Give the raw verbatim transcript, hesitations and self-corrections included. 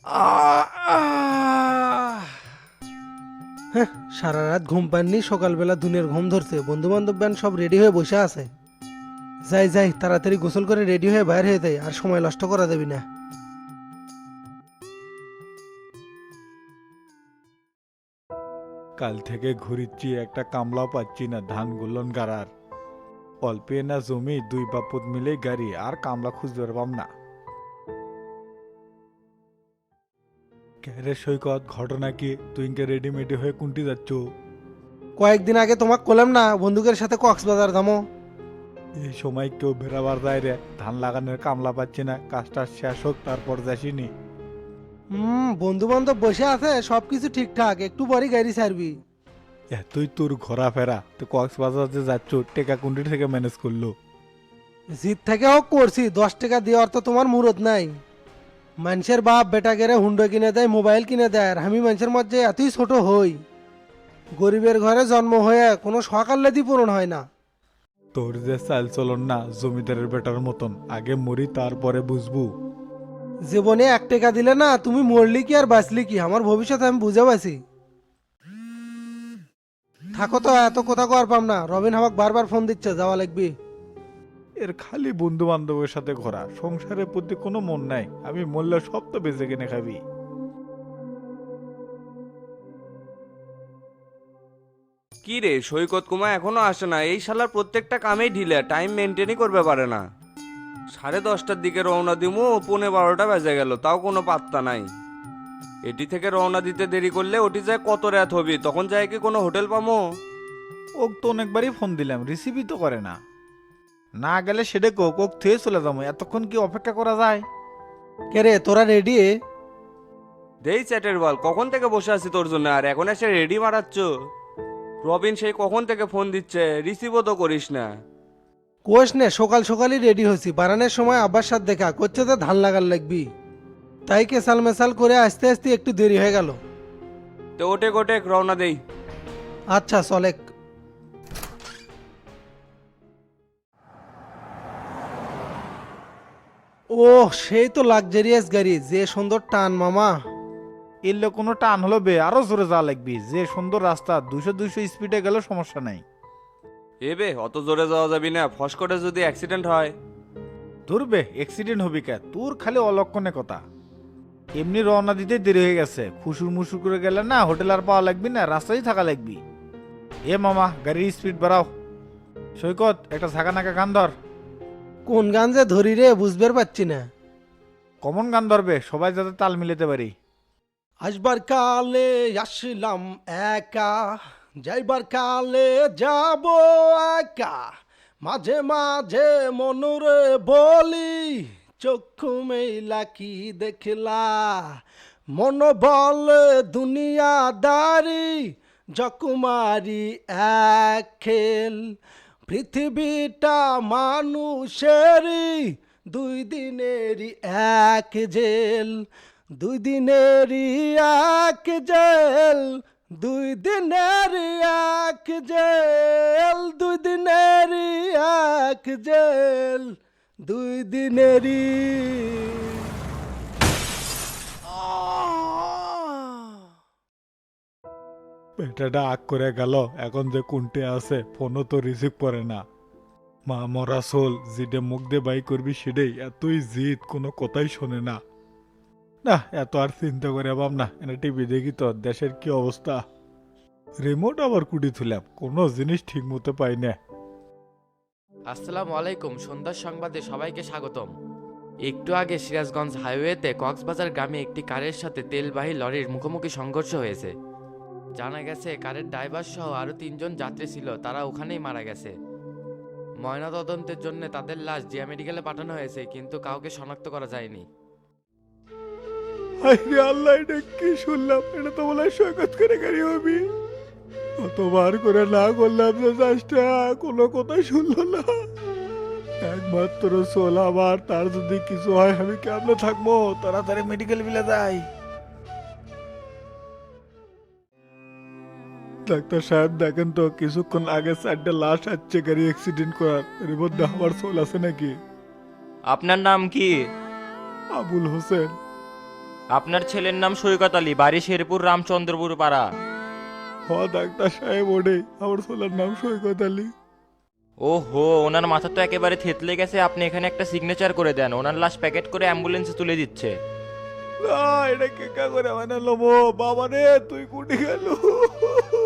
আহ, আহ। হ্যাঁ, সারা রাত ঘুম পাননি, সকালবেলা দুনের ঘুম ধরছে। বন্ধু বান্ধব ব্যান সব রেডি হয়ে বসে আছে। যাই যাই, তাড়াতাড়ি গোসল করে রেডি হয়ে বাইরে হয়ে যাই, আর সময় নষ্ট করা দেবি না। কাল থেকে ঘুরিচ্ছি, একটা কামলাও পাচ্ছি না ধান গুলন গাড়ার। অল্পে না জমি, দুই বাপুত মিলেই গাড়ি, আর কামলা খুঁজতে পারবাম না। ক্যারে সৈকত, ঘটনা কি? তুই ইনকে রেডিমেডি হয়ে কুন্টি যাচ্ছ? কয়েকদিন আগে তোমাকে কলাম না বন্ধুকের সাথে কক্সবাজার যাবো। এই সময় কেউ বেরাবার যায় রে? ধান লাগানোর কামলা পাচ্ছি না, কাজটা শেষ হোক তারপর যাসিনি। হুম, বন্ধু বান্ধব বসে আছে, সবকিছু ঠিকঠাক, একটু পরই গাড়ি ছাড়বি। এতই তোর ঘোরাফেরা, তো কক্সবাজার যে যাচ্ছ, টেকা কুন্টি থেকে ম্যানেজ করলো? জিত থেকে হোক করছি, দশ টাকা দেওয়ার তো তোমার মুরত নাই। মানুষের বাপ বেটা গেরে হুন্ডো কিনে দেয়, মোবাইল কিনে দেয়, আর আমি মানুষের মধ্যে এতই ছোট হই। গরিবের ঘরে জন্ম হয়ে কোনো সকাল্লাদি পূরণ হয় না। তোর যে চাল চলন না জমিদারের বেটার মতন, আগে মরি তারপরে বুঝবু। জীবনে এক টাকা দিলে না, তুমি মরলি কি আর বাঁচলি কি, আমার ভবিষ্যৎ আমি বুঝে পাইছি। থাকো তো, এত কথা কর পাম না। রবিন আমাকে বারবার ফোন দিচ্ছে, যাওয়া লাগবে। এর খালি বন্ধু বান্ধবের সাথে ঘোরা, সংসারের প্রতি কোনো মন নাই। আমি মরলে সব তো বেঁচে কিনে খাবি। কি রে সৈকত কুমা এখনো আসে না? এই শালার প্রত্যেকটা কামেই ঢিলে, টাইম মেনটেনই করবে পারে না। সাড়ে দশটার দিকে রওনা দিমু, পৌনে বারোটা বেজে গেল, তাও কোনো পাত্তা নাই। এটি থেকে রওনা দিতে দেরি করলে ওটি যায় কত রাত হবি, তখন যায় কি কোনো হোটেল পামো? ওক তো অনেকবারই ফোন দিলাম, রিসিভই তো করে না। না গেলে সেটা কোক, ওক থুয়ে চলে যাবো, এতক্ষণ কি অপেক্ষা করা যায়? কে রে, তোরা রেডি? দেই চ্যাটের বল, কখন থেকে বসে আছি তোর জন্য, আর এখন এসে রেডি মারাচ্ছ? রবিন সেই কখন থেকে ফোন দিচ্ছে, রিসিভও তো করিস না। কোষ নে, সকাল সকালই রেডি হয়েছি। বারানের সময় আব্বার সাথে দেখা করছে, তো ধান লাগার লাগবি, তাই কেসাল মেসাল করে আস্তে আস্তে একটু দেরি হয়ে গেল। তো ওটে গোটে রওনা দেই। আচ্ছা চলেক। ও, সেই তো লাক্সারিয়াস গাড়ি, যে সুন্দর টান মামা। এলে কোনো টান হলো বে, আরো জোরে যাওয়া লাগবি। যে সুন্দর রাস্তা, দুশো দুশো স্পিডে গেলে সমস্যা নাই। এবে অত জোরে যাওয়া যাবি না, ফস করে যদি অ্যাক্সিডেন্ট হয়। ধরবে অ্যাক্সিডেন্ট হবি কে? তোর খালি অলক্ষণে কথা। এমনি রওনা দিতে দেরি হয়ে গেছে, খুশুর মুসুর করে গেলে না হোটেল আর পাওয়া লাগবি না, রাস্তায় থাকা লাগবি। এ মামা, গাড়ির স্পিড বাড়াও। সৈকত, একটা ঝাঁকা নাকা গান ধর। কোন গান যে ধরি রে, বুঝতে পারছি না। কমন গান ধরবে, সবাই যাতে তাল মিলাতে পারি। আসবার কালে আসলাম একা, যাইবার কালে যাব একা, মাঝে মাঝে মনুরে বলি, চক্ষু মেলা কি দেখলা, মন বলে দুনিয়াদারি, যকুমারি এক খেল, পৃথিবীটা মানুষেরই, দুই দিনেরই এক জেল, দুই দিনেরই এক জেল, দুই দিনেরই এক জেল, দুই দিনেরই এক জেল, দুই দিনেরই। বেটাটা আগ করে গেল, এখন যে কোনটে আছে ফোনও তো রিসিভ করে না। মা মরা সোল, যেটা মুখ দিয়ে বাই করবি সেটাই, এতই জিদ, কোনো কথাই শোনে না। না, এত আর চিন্তা করে পাব না। এনে টিভি দেখি তো দেশের কি অবস্থা। রিমোট আবার কুটি থুলাম, কোনো জিনিস ঠিক মতো পাই না। আসসালামু আলাইকুম, সন্ধ্যার সংবাদে সবাইকে স্বাগতম। একটু আগে সিরাজগঞ্জ হাইওয়েতে কক্সবাজার গ্রামে একটি কারের সাথে তেলবাহী লরির মুখোমুখি সংঘর্ষ হয়েছে। জানা গেছে কারের ড্রাইভার সহ আরও তিনজন যাত্রী ছিল, তারা ওখানেই মারা গেছে। ময়নাতদন্তের জন্য তাদের লাশ জিয়া মেডিকেলে পাঠানো হয়েছে, কিন্তু কাউকে শনাক্ত করা যায়নি। আরে আল্লাহ, এটা কি শুনলাম? এটা তো বলে সৈকত করে গাড়ি হবি। কতবার করে না করলাম যে চাষটা, কোনো কথাই শুনলো না। একমাত্র সোল আমার, তার যদি কিছু হয় আমি কেমনে থাকবো? তাড়াতাড়ি মেডিকেল বিলে যাই। ডাক্তার সাহেব দেখেন তো, কিছুক্ষণ আগে চারটে লাশ আসছে গাড়ি অ্যাক্সিডেন্ট করার, এর মধ্যে আমার সোল আছে নাকি? আপনার নাম কি? আবুল হোসেন। আপনার ছেলের নাম সৈকত আলী, বাড়ি শেরপুর রামচন্দ্রপুর পাড়া। হ ডাক্তার সাহেব ওডে, আমার ছেলের নাম সৈকত আলী। ও হো, ওনার মাথা তো একেবারে থেতলে গেছে। আপনি এখানে একটা সিগনেচার করে দেন, ওনার লাশ প্যাকেট করে অ্যাম্বুলেন্সে তুলে দিচ্ছে। না, এটা কে কা করে বানালো মো বাবা রে, তুই কুটি গেল।